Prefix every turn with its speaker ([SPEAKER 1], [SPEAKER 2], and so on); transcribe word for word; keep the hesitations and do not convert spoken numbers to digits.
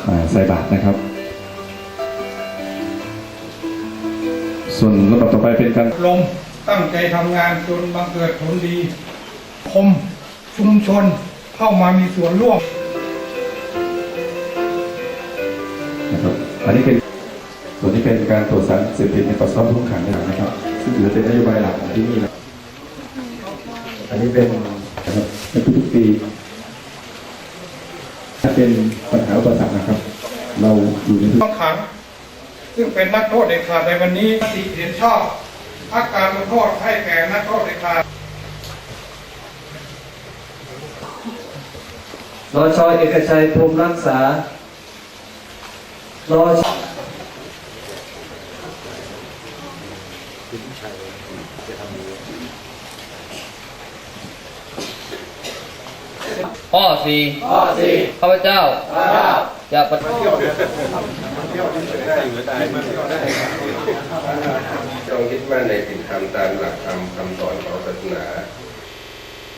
[SPEAKER 1] ใส่บาตรนะครับส่วนลำดับต่อไปเป็นการ
[SPEAKER 2] ลมตั้งใจทำงานจนบังเกิดผลดีคมชุมชนเข้ามามีส่วนร่วม
[SPEAKER 1] นะครับอันนี้เป็นส่วนนี้เป็นการตรวจสารเสพติดในปัสสาวะผู้ต้องขังนะครับซึ่งถือเป็นนโยบายหลักของที่นี่นะอันนี้เป็นนะครับในทุกๆปีถ้าเป็นปัญหาอุปสรรคนะครับเราอยู่ใน
[SPEAKER 2] ต้องขังซึ่งเป็นนักโทษเด็ดขาดในวันนี้มติเห็นชอบพักการลงโทษให้แก่นักโทษเด็ดขาด
[SPEAKER 3] รอชอเอกชัยพรหมรักษารอ
[SPEAKER 4] ข้อสี่ข้อสี่ข้าพเจ้าข้าพเจ้าจะปฏิบัติ
[SPEAKER 5] จงคิดมั่นในศีลธรรมตามหลักธรรมคำสอนของศาสนา